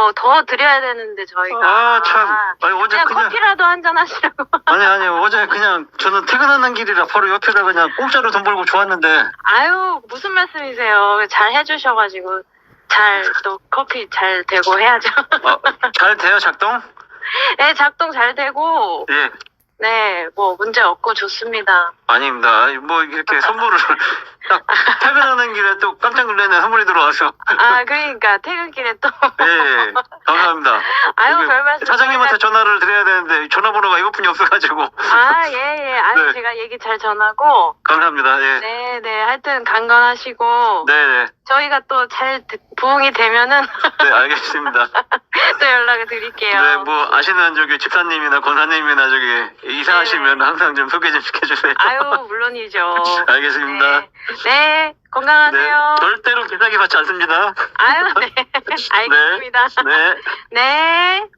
더 드려야 되는데, 저희가. 아, 참. 아니, 어제 그냥 커피라도 한잔 하시라고. 아니, 어제 그냥 저는 퇴근하는 길이라 바로 옆에다 그냥 공짜로 돈 벌고 좋았는데. 아유, 무슨 말씀이세요. 잘 해주셔가지고, 또 커피 잘 되고 해야죠. 잘 돼요, 작동? 네, 작동 잘 되고, 예. 네, 뭐, 문제 없고 좋습니다. 아닙니다. 뭐, 이렇게 선물을 딱 퇴근하는 길에 또 깜짝 놀라는 선물이 들어와서. 그러니까, 퇴근길에 또. 예, 감사합니다. 아유, 여기 별 말씀. 사장님한테 전화를 드려야 되는데 전화번호가 이것뿐이 없어가지고. 예. 아유, 네. 제가 얘기 잘 전하고. 감사합니다. 예. 네. 하여튼 강건하시고. 네. 저희가 또 잘 부응이 되면은. 네, 알겠습니다. 또 연락을 드릴게요. 네, 뭐, 아시는 저기 집사님이나 권사님이나 저기 이사하시면 항상 좀 소개 좀 시켜주세요. 아유, 물론이죠. 알겠습니다. 네, 건강하세요. 절대로 비싸게 받지 않습니다. 아유, 네. 알겠습니다. 네. 네.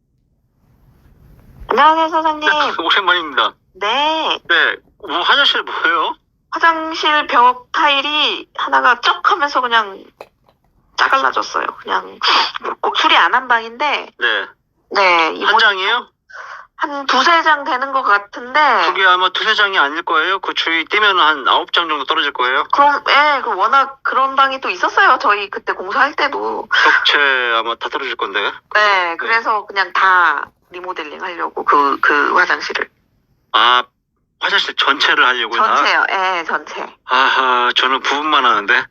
안녕하세요, 사장님. 오랜만입니다. 네. 네, 뭐 화장실 뭐예요? 화장실 벽 타일이 하나가 쩍 하면서 그냥 짜갈라졌어요. 그냥 수리 안 한 방인데. 네. 네. 한 장이에요? 한 두세 장 되는 것 같은데. 그게 아마 두세 장이 아닐 거예요. 그 주위 뛰면 한 9장 정도 떨어질 거예요. 그럼, 그 워낙 그런 방이 또 있었어요. 저희 그때 공사할 때도. 벽체 아마 다 떨어질 건데. 네, 그래서 그냥 다 리모델링 하려고, 그 화장실을. 아, 화장실 전체를 하려고요? 전체요, 전체. 아하, 저는 부분만 하는데.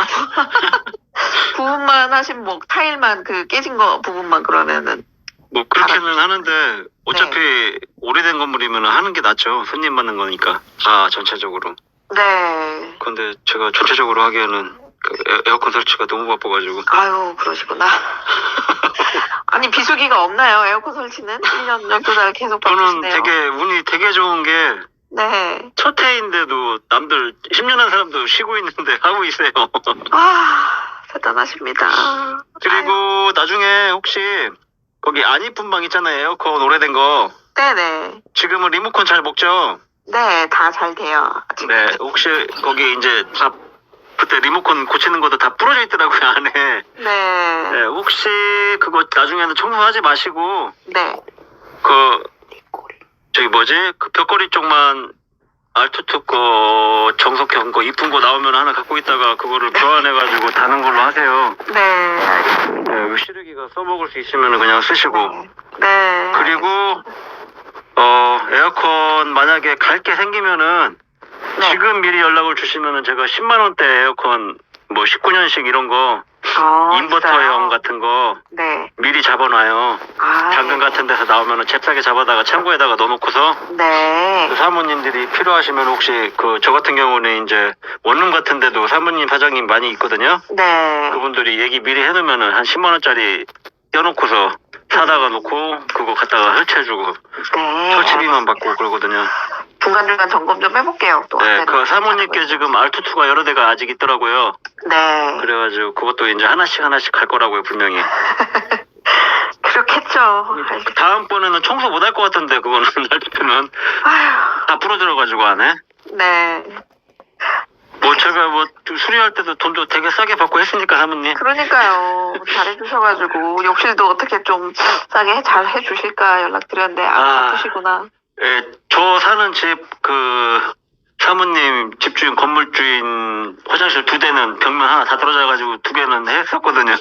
부분만 하신 뭐, 타일만 깨진 거 부분만 그러면은. 뭐, 그렇게는 하는데, 어차피 네. 오래된 건물이면 하는 게 낫죠. 손님 받는 거니까. 전체적으로. 네. 근데 제가 전체적으로 하기에는 에어컨 설치가 너무 바빠가지고. 아유, 그러시구나. 아니, 비수기가 없나요? 에어컨 설치는? 1년, 12달 계속 저는 바쁘시네요. 운이 되게 좋은 게, 네. 첫 해인데도 남들 10년 한 사람도 쉬고 있는데 하고 있어요. 대단하십니다. 그리고 나중에 혹시 거기 안 이쁜 방 있잖아요. 에어컨 오래된 거. 네네. 지금은 리모컨 잘 먹죠? 네, 다 잘 돼요. 아직. 네. 혹시 거기 이제 다 그때 리모컨 고치는 것도 다 부러져 있더라고요, 안에. 네. 네. 혹시 그거 나중에는 청소하지 마시고 네. 그 벽걸이 쪽만 알투투 거 정석형 거 이쁜 거 나오면 하나 갖고 있다가 그거를 교환해가지고 다는 걸로 하세요. 네, 알겠습니다. 네, 시르기가 써먹을 수 있으면 그냥 쓰시고. 네. 그리고 에어컨 만약에 갈 게 생기면은 네. 지금 미리 연락을 주시면은 제가 10만 원대 에어컨 뭐 19년식 이런 거 인버터형 있어요. 같은 거 네. 미리 잡아놔요. 당근 같은 데서 나오면은 잽싸게 잡아다가 창고에다가 넣어놓고서 네. 그 사모님들이 필요하시면 혹시 저 같은 경우는 이제 원룸 같은 데도 사모님 사장님 많이 있거든요. 네. 그분들이 얘기 미리 해놓으면은 한 10만 원짜리 떼어놓고서 사다가 놓고 그거 갖다가 설치해주고 네. 설치비만 받고 그러거든요. 중간중간 점검 좀 해볼게요. 또. 네, 그 사모님께 지금 R22가 여러 대가 아직 있더라고요. 네. 그래가지고 그것도 이제 하나씩 갈 거라고요, 분명히. 그렇겠죠. 다음번에는 청소 못 할 것 같은데 그거는 R22는 아휴. 다 부러져가지고 안 해. 네. 뭐 제가 뭐 수리할 때도 돈도 되게 싸게 받고 했으니까 사모님. 그러니까요. 잘해주셔가지고 욕실도 어떻게 좀 싸게 잘 해주실까 연락드렸는데 바쁘시구나. 예, 저 사는 집 사모님 집주인 건물주인 화장실 2대는 벽면 하나 다 떨어져가지고 2개는 했었거든요.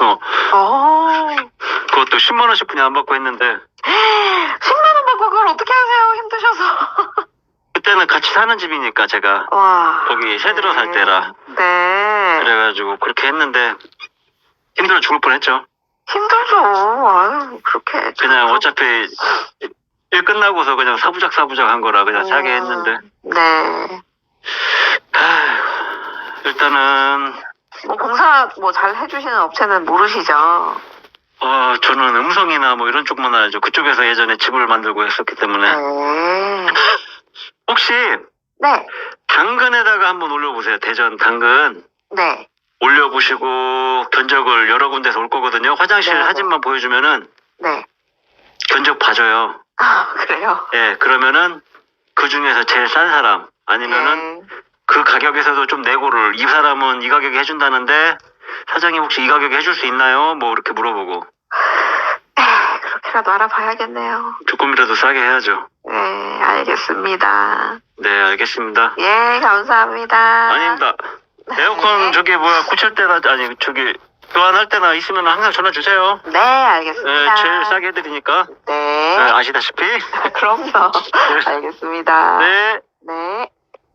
그것도 10만 원씩 분이 안 받고 했는데 10만 원 받고 그걸 어떻게 하세요? 힘드셔서. 그때는 같이 사는 집이니까 제가 와. 거기 새 들어 살 때라. 네. 그래가지고 그렇게 했는데 힘들어 죽을 뻔했죠. 힘들죠. 아유, 그렇게. 그냥 어차피 일 끝나고서 그냥 사부작 한 거라 그냥 사게 했는데. 네. 일단은 뭐 공사 뭐 잘 해주시는 업체는 모르시죠? 저는 음성이나 뭐 이런 쪽만 알죠. 그쪽에서 예전에 집을 만들고 했었기 때문에. 혹시 네. 당근에다가 한번 올려보세요. 대전 당근. 네. 올려보시고 견적을 여러 군데서 올 거거든요. 화장실 네. 사진만 보여주면은 네. 견적 봐줘요. 그래요? 예, 그러면은 그 중에서 제일 싼 사람 아니면은 그 가격에서도 좀 내고를 이 사람은 이 가격에 해준다는데 사장님 혹시 이 가격에 해줄 수 있나요? 뭐 이렇게 물어보고. 그렇게라도 알아봐야겠네요. 조금이라도 싸게 해야죠. 네, 알겠습니다. 네, 알겠습니다. 예, 감사합니다. 아닙니다. 에어컨 저기 뭐야 고칠 때나 아니 저기 교환할 때나 있으면 항상 전화 주세요. 네, 알겠습니다. 네, 제일 싸게 해드리니까. 네. 네, 아시다시피. 그럼요. 알겠습니다. 네. 네.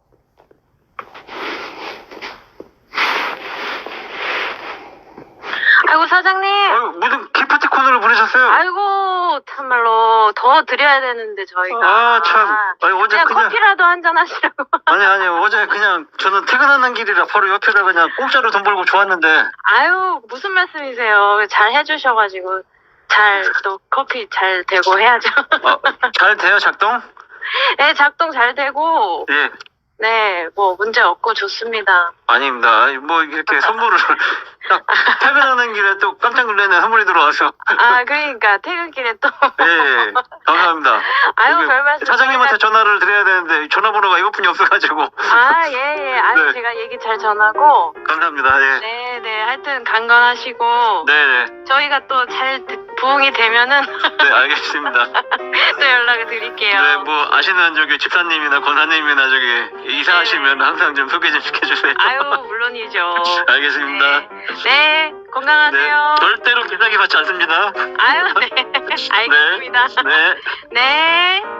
아이고 사장님. 아유, 무슨 기프티콘으로 보내셨어요? 아이고 참말로 더 드려야 되는데 저희가. 아, 참. 아니, 어제 그냥 그냥. 커피라도 한잔 하시라고. 아니, 어제 그냥 저는 퇴근하는 길이라 바로 옆에다 그냥 공짜로 돈 벌고 좋았는데. 아유 무슨 말씀이세요. 잘 해주셔가지고 잘 또 커피 잘 되고 해야죠. 잘 돼요, 작동? 네 작동 잘 되고 예. 네 뭐 문제 없고 좋습니다. 아닙니다. 아니, 뭐 이렇게 선물을 딱 퇴근하는 길에 또 깜짝 놀라는 선물이 들어와서. 아 그러니까 퇴근길에 또. 예, 감사합니다. 아유 그 별 말씀. 사장님한테 전화를 드려야 되는데 전화번호가 이것뿐이 없어가지고. 아예 아유 네. 제가 얘기 잘 전하고. 감사합니다. 예. 네네 하여튼 강건하시고. 네네. 저희가 또 잘 부응이 되면은 네, 알겠습니다. 또 연락을 드릴게요. 네, 뭐 아시는 저기 집사님이나 권사님이나 저기 이사하시면 항상 좀 소개 좀 시켜주세요. 아유 물론이죠. 알겠습니다. 네 건강하세요. 절대로 비싸게 받지 않습니다. 아유 네 알겠습니다. 네. 네.